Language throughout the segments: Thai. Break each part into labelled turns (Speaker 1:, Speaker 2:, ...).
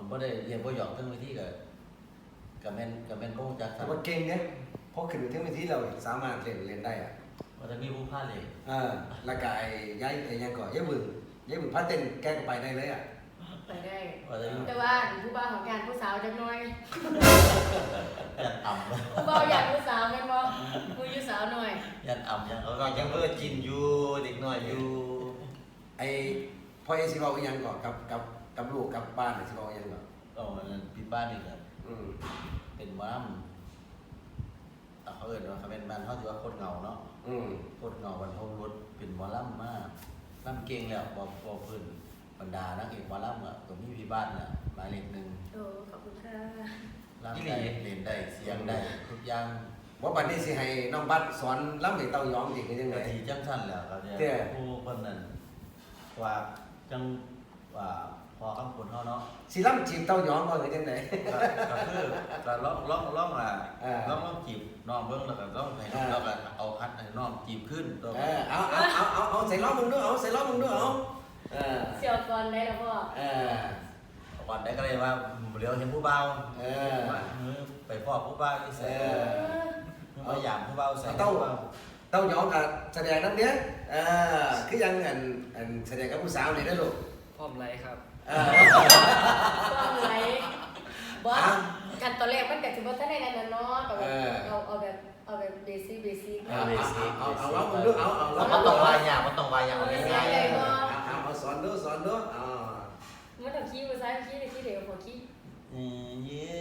Speaker 1: ผมก็ได้เรียนบ่หยอกทั้งวิธีกับแม่นโป้จัก
Speaker 2: แต่ว่าเก่งเนี่ยพอขึ้นไปถึงวิธีเราสามารถเล่นได้อ่ะ
Speaker 1: ว่าจะมีผู้พาเลย
Speaker 2: แล้วก็ไอ้ย้ายไอ้ยังก่อนย้ายบึงพาเต้นแกก็ไปได้เลยอ่ะ
Speaker 3: ไปได้
Speaker 1: ว่าจะมี
Speaker 3: แต่ว่าผู้บ่าวของการผู้สาวจักหน่อย
Speaker 1: ยันอ่ำ
Speaker 3: ผู้บ่าวอยากผู้สาวแม่นบ่ผู้อยู่สาวหน่อย
Speaker 1: ยันอ่ำยังเขา
Speaker 4: ก็ยังกินอยู่เด็กน้อยอยู่
Speaker 2: ไอ้พ่อเอสิบอกอีหยังก่อนกับลูกกับบ้านสิบอกอีหยังก่อน
Speaker 1: ก็มันพี่บ้านนี่ครับ
Speaker 2: อืม
Speaker 1: เป็นม้ามเขาเอิ้นว่าเขาเป็นบ้านเขาถือว่าคนเหงาเนาะ
Speaker 2: อืม
Speaker 1: คนเหงาบรรทมรถเป็นหมอลำมากลำเก่งแล้วบอกเพิ่นบรรดานักเอกหมอลำอ่ะก็มีพี่บ้านน่ะหมายเลขหนึ่ง
Speaker 3: โอ้ขอบคุณค่ะ
Speaker 1: ลำได้เล่นได้เสียงได้ทุกอย่าง
Speaker 2: ว่าบัดนี้สิให้น้องบัดสอนล้ำให้เต้ายองจริงคือจัง
Speaker 1: กะ
Speaker 2: ได๋
Speaker 1: ทีจังสั้นแล้วครับเนี่ย
Speaker 2: เตี้ย
Speaker 1: ผู้คนนั้นว่าจังว่าพอคำพูดเขาเนาะ
Speaker 2: สิล้ำจีบเต้ายองบ่คือจังได๋
Speaker 1: ก็คือก็ร้องอ่ะร้องจีบน้องเบิ่งแล้วก็ร้องให้น้องแล้วก็เอาพัดให้น้องจีบขึ้นตัว
Speaker 2: เอาใส่ล้อมึงด้วยเอาใส่ล้อมึงด้วยเอาเออ
Speaker 3: เสี่ยวก่อนได้แล้วพ่อ
Speaker 2: เออ
Speaker 1: ก่อนได้ก็เลยว่าเดี๋ยวเห็นผู้เบา ไปพ่อผู้เบาที่
Speaker 2: เอ
Speaker 1: ใส่
Speaker 2: อ
Speaker 1: มาอย่างผู้เบาใส่
Speaker 2: เต้ายองก็แสดงนำเด้อคือยังอันแสดงกับผู้สาวนี่เด้อลูก
Speaker 5: พร้อมไรครับ
Speaker 3: ก็ไหลบ่กันตอนแรกมันก็สิบ่ทันได้นั่นน่ะเนาะก็แบบเอาแบบเบสิก
Speaker 2: เอาล้อมึงด้วยเอาล้อ
Speaker 4: มัน
Speaker 2: มึง
Speaker 4: ต้อง
Speaker 2: ด้วย
Speaker 4: วายอย่างมันต้องวายอย่างง่าย
Speaker 2: เอาสอนด้วย
Speaker 3: มันต้องขี้ภาษาขี้เดี๋ยวพอขี้
Speaker 1: เย่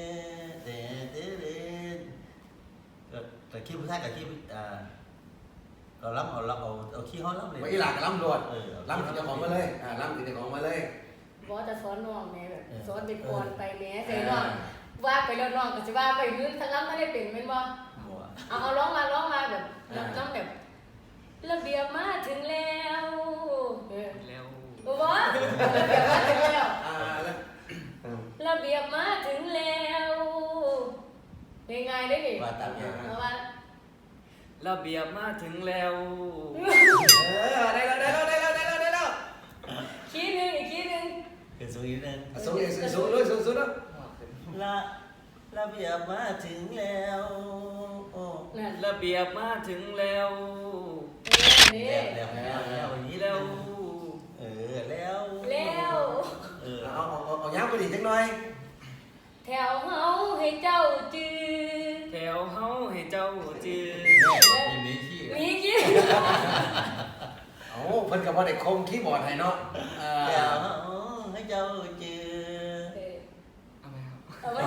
Speaker 1: แต่ขี้ผู้ชายกับขี้เราล้ำเอาขี้เขาล้ำเลย
Speaker 2: ไว้อีหลากล้ำรวดล้ำถึงเจ้าของมาเลยล้ำถึงเจ้าของมาเลย
Speaker 3: บ่จะสอนน้องแม่แบบสอนเป็นก่อนไปแม่ใส่น้องว่าไปแล้วน้องก็สิว่าไปมื้อทั้งลำบ่ได้เป็นแม่นบ่
Speaker 1: หัว
Speaker 3: เอาร้องมาแบบน้องแบบระเบียบมาถึงแล้วเออ
Speaker 5: แล้ว
Speaker 3: บ่ระเบียบมาถึงแล้ว
Speaker 2: แล้ว
Speaker 3: ระเบียบมาถึงแล้วง่ายๆได้ดิ
Speaker 1: ว่าตามอย่าง
Speaker 3: เอาว่า
Speaker 5: ระเบียบมาถึงแล้ว
Speaker 2: ได้แล้ว
Speaker 3: ขี้นึงอีกขี้นึง
Speaker 1: เป็นสูงนิดนึง
Speaker 2: สูงด้วยสูงด้วย
Speaker 1: ระเบียบมาถึงแล้วโอ้
Speaker 3: นั่น
Speaker 5: ระเบียบมาถึงแล้ว
Speaker 3: นี่
Speaker 1: แล้วอย่างนี้
Speaker 5: แล้ว
Speaker 1: แล้ว
Speaker 3: แล้ว
Speaker 2: เอาย้ำไปดิจังหน่อย
Speaker 3: แถวเฮาให้เจ้าจือ
Speaker 5: แถวเฮาให้เจ้าจือ
Speaker 1: มีที่
Speaker 3: มีขี้
Speaker 2: โอ้เพิ่นกับว่าได้คมคีย์บอร์ดให้เนาะ
Speaker 1: เดี๋ยวให้เจ้าเจอ
Speaker 5: เอาไหมครับ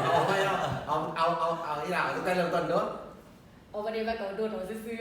Speaker 2: เอาอีหล่าตั้งแต่เริ่มต้นเนาะ
Speaker 3: เอาประเดี๋ยวมาก็โดนเอาซื่อ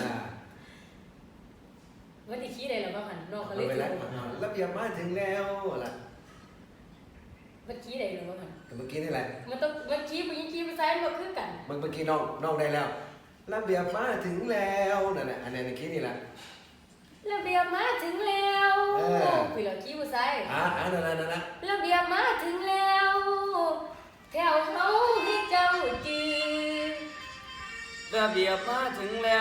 Speaker 3: ๆว่าที่ขี้ได้แล้วบ่หันน้องก็เลย
Speaker 2: ไป
Speaker 3: ถู
Speaker 2: แล้ว
Speaker 3: ก
Speaker 2: ระเบียบมาถึงแล้วล่ะ
Speaker 3: มันขี้ได้แล้วบ่หัน
Speaker 2: เมื่อกี้นี่แหละ
Speaker 3: มันขี้ผู้หญิงขี้ผู้ชายมันบ่คือกัน
Speaker 2: เมื่อกี้น้องได้แล้วระเบียบมาถึงแล้วนั่นแหละอันนี้ในคิดนี่แหละ
Speaker 3: ระเบียบมาถึงแล้วพี่เหล่าขี้ผู้ชาย
Speaker 2: นั่นนะ
Speaker 3: ระเบียบมาถึงแล้วแถวเฮาให้เจ้าจือ
Speaker 5: ระเบียบมาถึงแล้ว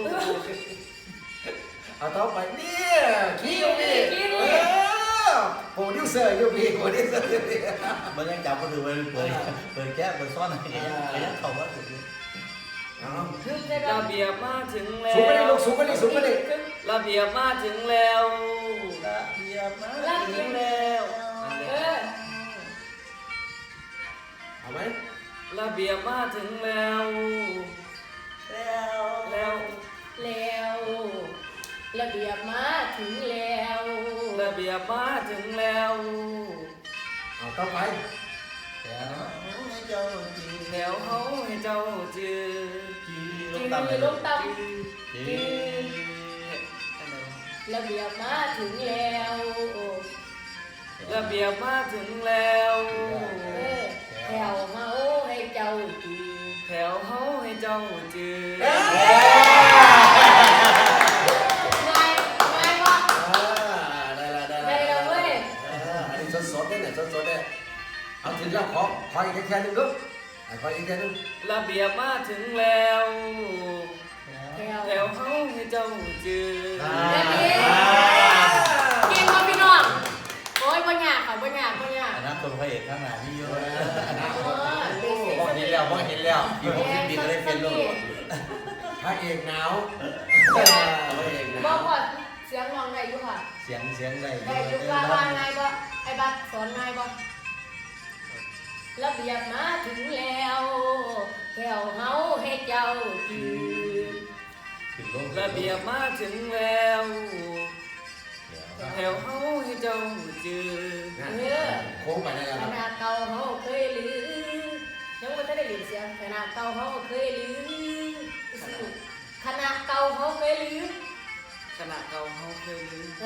Speaker 2: เอาต่อไปเนี่ยคิดอยู่พี่โปรดิวเซอร์อยู่พี่โปรดิวเซอร์อยู่พี่
Speaker 1: มันยังจับก็ถือมันเปิดแก้เปิดซ่อนอะไรยังเขาว่าถูก
Speaker 3: ถึงได้
Speaker 5: ระเบียบมาถึงแล้
Speaker 2: สูงไปดิ
Speaker 5: ว
Speaker 2: ลูกสูงไปดิสูงไปดิ
Speaker 5: ระเบียบมาถึงแล้ว
Speaker 1: ระเบียบมาถึงแล้ว
Speaker 2: เอาไหม
Speaker 5: ระเบียบมาถึงแล้ว
Speaker 1: แล้ว
Speaker 5: แล้ว
Speaker 3: แล้วระเบียบมาถึงแล้ว
Speaker 5: ระเบียบมาถึงแล้ว
Speaker 2: เอาต่อไป
Speaker 1: แล้วให้เจ้าจี
Speaker 5: แถวเฮาให้เจ้าจือ
Speaker 1: จีล
Speaker 3: จื
Speaker 1: งต่ำเลย
Speaker 3: ลงต่
Speaker 1: จี
Speaker 3: ำระเบียบมาถึงแล้ว
Speaker 5: ระเบียบมาถึงแล้ว
Speaker 3: แถวเฮาให้เจ้าจือ
Speaker 5: แถวเฮาให้เจ้าจือ
Speaker 3: ง่ายว่ะ
Speaker 2: ได้แล้วเว้ยอันนี้สดๆเนี่ยสดๆเนี่ยเอาถึงแล้วขออีกแค่นึงลูกขออีกแค่นึง
Speaker 5: ระเบียบมาถึงแล้ว
Speaker 3: แถ
Speaker 5: แถวเฮาให้เจ้าจือ
Speaker 3: เก่งมากพี่น้องโอ้ยมายากค่ะบ่ยาก
Speaker 1: อนาคตพระเอกข้างหน้ามีเยอะ
Speaker 4: บอกเห็นแล้วบอกเห็นแล้ว
Speaker 1: อยู่60 ปีก็ได้เป็นโลก
Speaker 2: พระเอกหนาวพระเอกห
Speaker 3: บ่
Speaker 2: นาว
Speaker 3: พอเสียงร้องได้อยู่ค่ะ
Speaker 1: เสียงได้
Speaker 3: ได้อยู่ว่าไงบ่ไอ้บัดสอนไงบ่ระเบียบมาถึงแล้วแก้วเฮาให้เจ้าจือ
Speaker 1: ถึงโลก
Speaker 5: ระเบียบมาถึงแล้วแถวเฮาให้เจ้าจือ
Speaker 2: โค้งไปได้แล้ว
Speaker 3: ขนาดเก่าเฮาเคยลือยังบ่ทันได้ยินเสียงขนาดเก่าเฮาเคยลือขนาดเก่าเฮาเคยลือ
Speaker 5: ขณะเก่าเฮาเคยลืม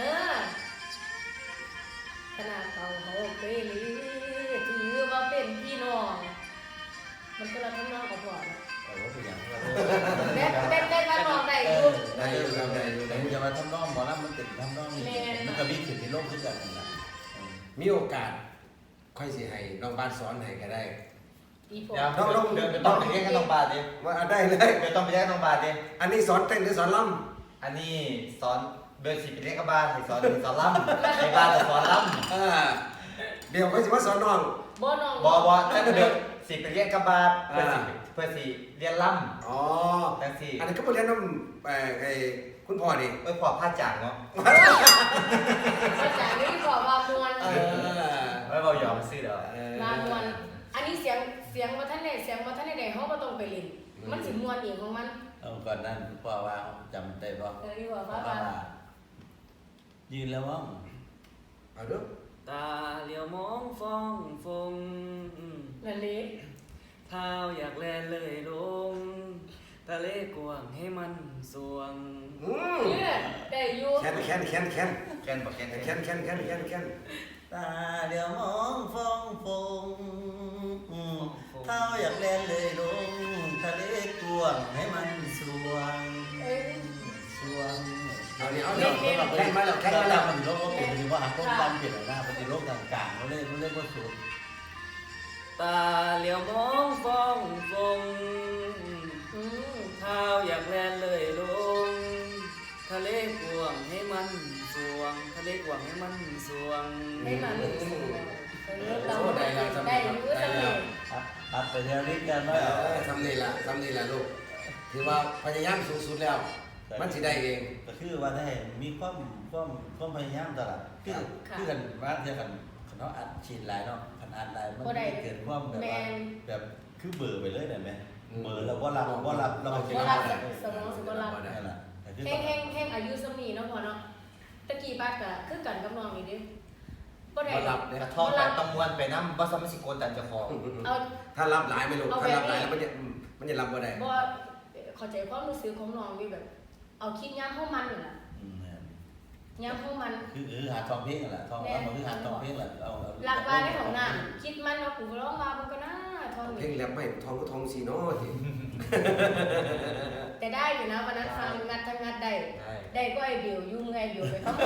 Speaker 3: ขนาดเก่าเฮาเคยลือถือว่าเป็นพี่น้องมันก็ละทำนองกับพ่อนะ
Speaker 1: ว่าเป็นอย่าง
Speaker 3: ได้มาลองได้อยู่
Speaker 2: ได้อยู่ครับได้อยู่
Speaker 1: แต่
Speaker 2: ได้อยู่
Speaker 1: จะมาทำน้องหมอลำมันติดทำน้องมันก็มีขึ้นในโลกขึ้นกันนะ
Speaker 2: มีโอกาสค่อยสิให้น้องบ้านสอนให้ก็ได้
Speaker 3: อีพ่อ
Speaker 4: เดี๋ยวต้องไปเรียกกันน้องบาทดิ
Speaker 2: ว่าได้เลย
Speaker 4: เดี๋ยวต้องไปเรียกน้องบาทดิ
Speaker 2: อันนี้สอนเต้นหรือสอนล่
Speaker 4: อันนี้สอนเบอร์สิไปเรียกกับบาทให้สอนล่ำในบาทจะสอนล่
Speaker 2: ำเดี๋ยวค่อยสิว่าสอนน้อง
Speaker 3: บ่น้อง
Speaker 4: ำบอถ้าเบอร์สิไปเรียกกับบาทเพื่อสิเรียนล่
Speaker 2: อ๋อ
Speaker 4: ำจังสิ
Speaker 2: อันนี้ก็ไปเรียนน้ำไอ้คุณพ่อนี่
Speaker 4: พอพลาดจากเนาะ
Speaker 3: มาจากนี้พ่อว่ามวน
Speaker 4: ไม่บอกยอมซื้อเด้อ
Speaker 3: มามวนอันนี้เสียงบ่ทันได้เฮาบ่ต้องไปเล่นมันสิม่วนเองของมัน
Speaker 1: ก่อนนั้นพ่อว่าจำได้ป่ะ
Speaker 3: นี่ว่าว่า
Speaker 1: ยืนแล้วว่า
Speaker 2: เอาเด้อ
Speaker 5: ตาเหลียวมองฟ้องฟง
Speaker 3: นั่นนี่
Speaker 5: เท้าอยากแลนเลยลงทะเลกว้างให้มันสวง
Speaker 3: เนี่ยได้อยู่
Speaker 2: แคน
Speaker 4: แกนบอกแกน
Speaker 1: ตาเดี๋ยวมองฟ้องฟงเท้าอยากเล่นเลยลงทะเลกวางให้มันสวง สวง
Speaker 2: เอาเดี๋ยวแคนมาแล้วแคนมาแล้ว
Speaker 1: มันโลกก็เป็นหรือว่าต้นตำเปลี่ยนหน้าปฏิโลกต่างๆเขาเล่นว่าสูง
Speaker 5: ตาเหลียวมองฟ้องฟง
Speaker 3: อืม
Speaker 5: เท้าอยากแลนเลยลงทะเลกว้างให้มันสวงทะเลกว้างให้มันสวง
Speaker 3: ให้มันเราได้อยู่สำเร็จ
Speaker 1: อัดไปเที่ยวนี้กันว่า
Speaker 2: ทำนี่ละลูกถือว่าพยายามสูงสุดแล้ว มันสิได้เอง
Speaker 1: ก็คือว่าได้มีความพยายามตลอดคือกันว่าเทียกันเขาอัดฉีดหลายเนาะขนาดหลายมันเกิดความแบบว่าแบบคือเบื่อไปเลยได้ไหมเบื่อแล้วก็รับเราก็
Speaker 3: บ่รับสมองสิบ่รับ
Speaker 1: นั่นแหละ
Speaker 3: แห้งอายุสมีเนาะพ่อเนาะตะกี้บ้านก็คือกันกับน้องนี่ดิบ่ได้
Speaker 4: กระท่อมกันต้องมวนไปน้ำว่าสมัยสิโกนตันเจ้าของ
Speaker 3: เอา
Speaker 2: ถ้ารับหลายไม่ลูกถ้ารับหลายแล้วมันจะรับบ่ได้
Speaker 3: บ่เข้าใจความรู้สึกของน้องนี่แบบ เอาคิดยามเฮามันนี่ล่ะยามเฮามัน
Speaker 1: คือหาทองเพลงแหละทองเอาคือหาทองเพลงแหละเอา
Speaker 3: หลักว่าในของน้ำคิดมันว่ากูร้องมามันก็น่าทอน
Speaker 2: เพลงแรปไม่ทองก็ทองสีเนาะสิ
Speaker 3: แต่ได้อยู่นะวันนั้นฟังงัดทั้งงัดได้ก็ไอ้เบี่ยวยุ่งไงเบี่ยวไปเขา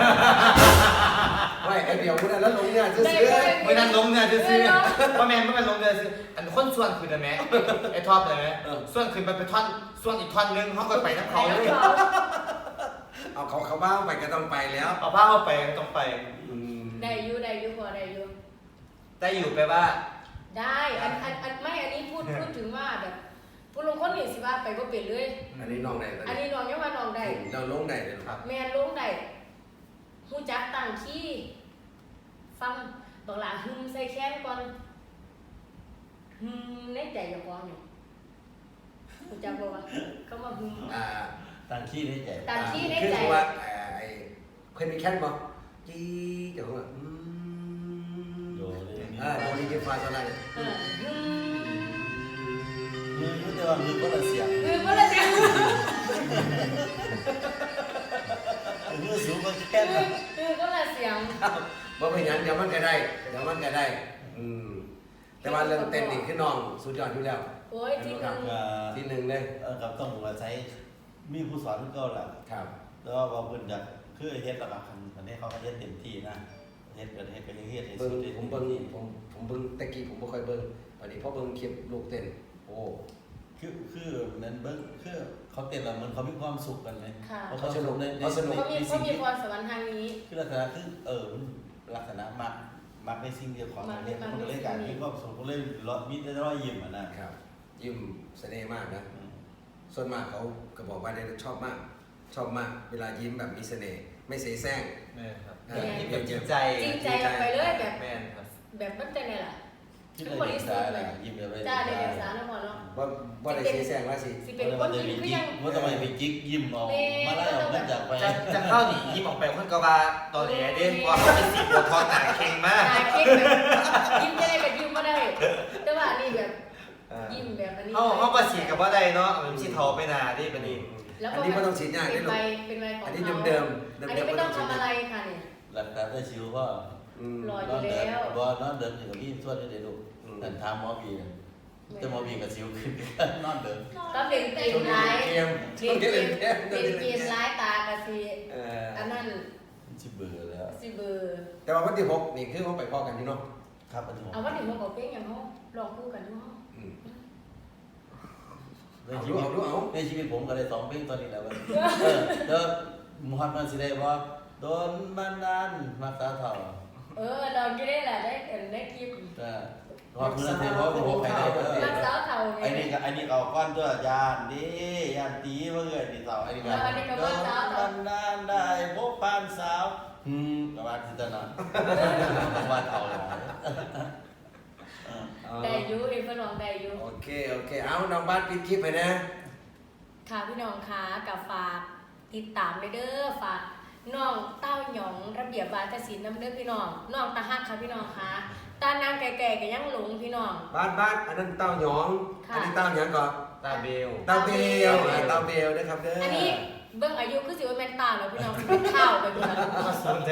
Speaker 2: ไม่ไอเดียวกูได้แล้วลงเนี่ยซื้อ
Speaker 4: ไม่นั่นลงเนี่ยซื้อว่าแม่ไม่เป็นลงเนี่ยซื้ออันคนส่วนคืนได้ไหมไอ้ท็อปเลยไหมส่วนคืนไปท่อนส่วนอีกท่อนนึงเขาก็ไปน้ำเขาเลย
Speaker 2: เอาเขาบ้างไปก็ต้องไปแล้ว
Speaker 4: เอาผ้าเข้าไปต้องไป
Speaker 3: ได้อยู่พอได้อยู่
Speaker 4: ได้อยู่ไปว่า
Speaker 3: ได้ไม่อันนี้พูดถึงว่าแบบผู้ลงคนนี่สิว่าไปบ่เป็นเลย
Speaker 2: อันนี้น้องได้
Speaker 3: อันนี้น้องยังว่าน้องได้
Speaker 2: เราลงได้เลยครับ
Speaker 3: แม่ลงได้ฮู้จักตั้งขี้ฟังบอกหลาหึมใส่แขนก่อนหึมในใจอย่าพอนี่ฮู้จักบ่ว่าคำว่าหึม
Speaker 1: ตั้งขี้ในใจ
Speaker 3: ตั้งขี้ใน
Speaker 2: คือ
Speaker 3: ใจ
Speaker 2: ว่าไอ้เคยมีแค่นบ่จีเดี๋ยวว่า
Speaker 1: โดเลย
Speaker 2: โดนีเกฟาสอะไร
Speaker 3: หึม
Speaker 1: มือยุ่งแต่ว่ามือก็ละเสียง
Speaker 3: คือบ่ละจัง
Speaker 1: มือสูงก็แค่นั้น
Speaker 3: คือก็ละเสียง
Speaker 2: บ่เป็นหยังเดี๋ยวมันก็ได้แต่ว่าเรื่องเต้นนี่คือน้องสุดยอดอยู่แล้ว
Speaker 3: โอ้ยที่นึง
Speaker 2: ที่หนึ่งเลย
Speaker 1: กับต้องมาใช้มีผู้สอนก็แหละ
Speaker 2: ครับ
Speaker 1: แล้วก็เพิ่นอยากคือเฮ็ดระดับอันนี้เขาก็เฮ็ดเต็มที่นะเฮ็ดก็เฮ็ดให้
Speaker 2: เบิ่
Speaker 1: สุ
Speaker 2: ง
Speaker 1: ด
Speaker 2: ผมเบิ่งตะกี้ผมบ่ค่อยเบิ่งตอนนี้พอเบิ่งคลิปลูกเต้นโอ้
Speaker 1: คือนั้นเบิ่งคือเขาเต้นแล้วมันเขามีความสุขกันไหม
Speaker 3: ค่ะ
Speaker 1: เขาสนุกใน
Speaker 3: เขามีพรสวรรค์ทางนี้
Speaker 1: คือลักษณะคือลักษณะมักในสิ่งเดียวของอันนี้มันก็เลยการมีความสุขก็เลยมีแต่รอยยิ้มอ่ะนะครับ
Speaker 2: ยิ้มเสน่ห์มากนะส่วนมากเขาก็บอกว่าเนี่ยชอบมากเวลายิ้มแบบมีเสน่ห์ไม่เสแสร้ง
Speaker 4: แม่ครับ
Speaker 2: ยิ้ม
Speaker 4: จริงใจ
Speaker 3: จริงใจออกไปเลยแบบ
Speaker 4: แม่ครับ
Speaker 3: แบบมันจะไงล่ะ
Speaker 1: ที่เรายิ้มได้แหละยิ้มแบบ
Speaker 3: จ้าได้เด็กสาวนะพ่อเนาะ
Speaker 2: ว่าได้เสแสร้งว่าสิ
Speaker 3: สิเป็นคนยิ้มก็ยัง
Speaker 1: ว่าทำไมไปจิ๊กยิ้มออกมาไล่ออกนั่นจากไป
Speaker 4: จะเข้าหนียิ้มออกไปคนก็ว่าตอนแหลเด้ว่าเขาเป็นสีบัวทองหนาเข่งมาก
Speaker 3: ตาเค้กแบบยิ้มจะได้กับยิ้มก็ได้ แต่ว่านี่แบบยิ้มแบบอันนี้
Speaker 4: เขาก็ฉีดกับว่าได้เนาะมันฉีดทอไปนาดิเป็นนี่
Speaker 3: แล้ว
Speaker 2: อันนี้ไม่ต้องฉีดยาก
Speaker 3: เป็
Speaker 2: ได้
Speaker 3: น
Speaker 2: ลู
Speaker 3: ใบ
Speaker 2: ก
Speaker 3: เป็นใบของ
Speaker 2: อันนี้
Speaker 3: เขา
Speaker 2: เดิม
Speaker 3: อันนี้ไม่ต้องทำอะไรค่ะเนี่ย
Speaker 1: หลักการได้ชิวก็
Speaker 3: รออยู่แล้ว
Speaker 1: บ่นอนเดินอยู่กับพี่ส่วนนี้เดี๋ยวดูแต่ทำหมอบีจะหมอบีกับชิวขึ้นนอนเดิน
Speaker 3: ต้องเล่นเกมร้าย
Speaker 2: เกม
Speaker 3: เล่นเกมร้ายตากะสิอันนั้น
Speaker 1: ชิเบื่อแล้ว
Speaker 3: สิเบอร์
Speaker 2: แต่ว่าวันที่6นี่คือเขาไปพอกันอยู่เนาะ
Speaker 1: ครับอันนี้
Speaker 3: เอาว่าถึงมาบอกเพลงอย่างเขาลองคู่กันด้วย
Speaker 1: ในชีวิตผมก็ได้2เพลงตอนนี้แล้วแล้วมุฮัมมัดสิได้บ่โดนบันดาลมาตาเฒ่า
Speaker 3: ลองก็ได้แหละได้คลิป
Speaker 1: พอเพื่อนเทพบอกใครได้
Speaker 3: รักสาวเท่าไง
Speaker 1: ไอ้นี่เอาก้อนตัวยานดิยานตีเมื่อไอ้นี่เฒ่าไอ้นี่ก็โดนบันดาลได้พบปานสาวประมาณที่ตอนนั้นประมาณเอาเลย
Speaker 3: ได้อยู่เห็นเพื่อนลองได้อยู่
Speaker 2: โอเคเอาน้องบ้านปิดคลิปไปนะ
Speaker 3: ค่ะพี่น้องคะกับฝากติดตามเลยเด้อฝากน้องเต้าหยองระเบียบวาทศิลป์น้ำเด้อพี่น้องน้องตาฮักค่ะพี่น้องคะตานางแก่ๆก็ยังหลงพี่น้อง
Speaker 2: บ้านอันนั้นเต้าหยองอันนี้เต้าหยองก่อน
Speaker 4: ตาเบล
Speaker 2: เต้าเบลนะครับเด้อ
Speaker 3: อั
Speaker 2: อั
Speaker 3: นนี้เบิ่งอายุคือสิว่าแม่นตาแล้วพี่น้องเป็นข้าวไปพี่น้อง
Speaker 4: มาสนใจ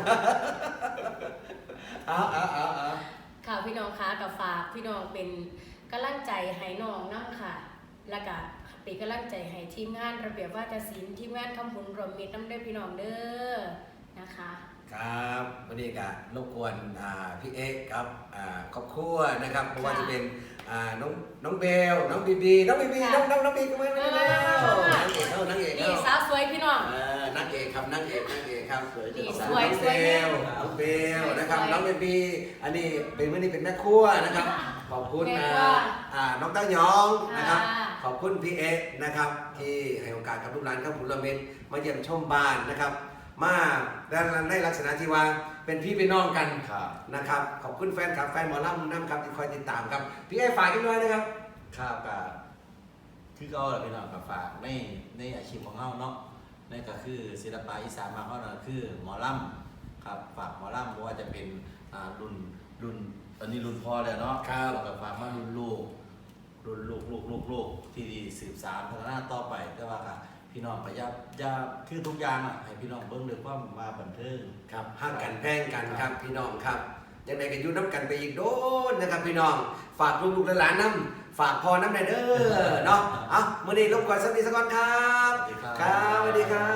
Speaker 2: เอา
Speaker 3: ค่ะพี่น้องคะกับฝากพี่น้องเป็นกำลังใจให้น้องน้ำค่ะแล้วก็เป็นกำลังใจให้ทีมงานระเบียบวาทศิลป์ทีมงานคำบุญรวมมิตรน้ำเด้อพี่น้องเด้อนะคะ
Speaker 2: ครับวันนี้ก็รบกวนพี่เอ๊กครับครอบครัวนะครับเพราะว่าจะเป็นน้องเบลน้องบีบีน้องบีก็ไม่ได้แล้วนางเอก
Speaker 3: นี่สาวสวยพี่น้อง
Speaker 2: นางเอกครับนางเอกครับ
Speaker 3: นี่
Speaker 2: น้
Speaker 3: สวย
Speaker 2: องเบลน้องเบลนะครับน้องเบบีอันนี้เป็นวันนี้เป็นแม่ครัวนะครับขอบคุณน้องเต้ายองนะครับขอบคุณพี่เอ๊กนะครับที่ให้โอกาสกับลูกหลานครับบุญละเม็ดมาเยี่ยมชมบ้านนะครับมาได้ลักษณะที่ว่าเป็นพี่เป็นน้องกันนะครับขอบคุณแฟนครับแฟนหมอลำน้ำครับที่คอยติดตามครับพี่เอ๊ฝากกันด้วยนะครับ
Speaker 1: ครับคือก็พี่น้องกับฝากในอาชีพของเราเนาะนั่นก็คือศิลปะอีสานมาเขาคือหมอลำครับฝากหมอลำเพราะว่าจะเป็นรุ่นตอนนี้รุ่นพ่อแล้วเนาะแล้วก็ฝากมารุ่นลูกที่สืบสานพัฒนาต่อไปแต่ว่าพี่น้องพยายามคือทุกอย่างให้พี่น้องเบิ่งด้วยความมาบันเทิง
Speaker 2: ครับห้างกันแพงกันครับพี่น้องครับยังไงกันอยู่น้ำกันไปอีกโดนนะครับพี่น้องฝากลูกๆหลานๆน้ำฝากพอน้ำในเด้อเนาะเมื่อนี้รบกวนสักนิดสักก่อนครับ
Speaker 1: สวัสดีครับ
Speaker 2: สวัสดีครับ